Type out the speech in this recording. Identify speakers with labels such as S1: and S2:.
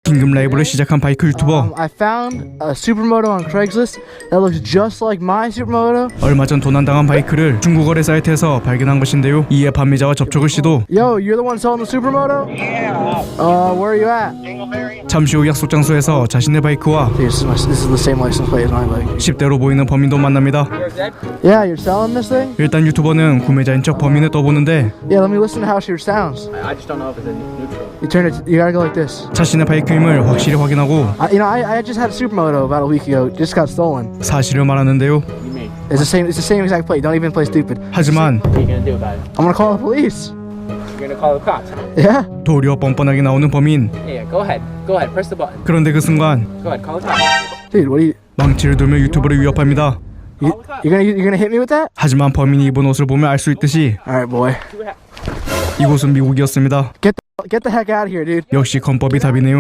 S1: 긴급 라이브를 시작한 바이크 유튜버.
S2: I found a supermoto on Craigslist that looks just like my supermoto.
S1: 얼마 전 도난당한 바이크를 중고거래 사이트에서 발견한 것인데요. 이에 판매자와 접촉을 시도.
S2: Yo, you're the one selling the supermoto? Yeah. Where are you at?
S1: 잠시 후 약속 장소에서 자신의 바이크와
S2: Dude, this is the same license plate as my bike.
S1: 10대로 보이는 범인도 만납니다.
S2: Yeah, you're selling this thing?
S1: 일단 유튜버는 구매자인 척 범인을 떠보는데
S2: Yeah, let me listen to how she sounds.
S3: I just don't know if it's in neutral.
S2: You turn it. You gotta go like this.
S1: 자신의 바이크임을 확실히 확인하고
S2: I just had a supermoto about a week ago. Just got stolen.
S1: 사실을 말하는데요.
S3: What do you mean?
S2: It's the same exact plate. Don't even play stupid.
S1: 하지만
S3: What are you gonna do about it?
S2: I'm gonna call the police.
S3: You're gonna call the cops?
S2: Yeah.
S1: 도리어 뻔뻔하게 나오는 범인.
S3: Yeah, go ahead. Go ahead. Press the button.
S1: 그런데 그 순간
S3: Go ahead. Call the cops.
S2: Dude, what are you?
S1: 망치를 들며 유튜버를 위협합니다.
S2: You're gonna hit me with that?
S1: 하지만 범인이 입은 옷을 보면 알 수 있듯이
S2: All right, boy.
S1: 이곳은 미국이었습니다.
S2: Get the heck out of here, dude.
S1: 역시 건법이 답이네요.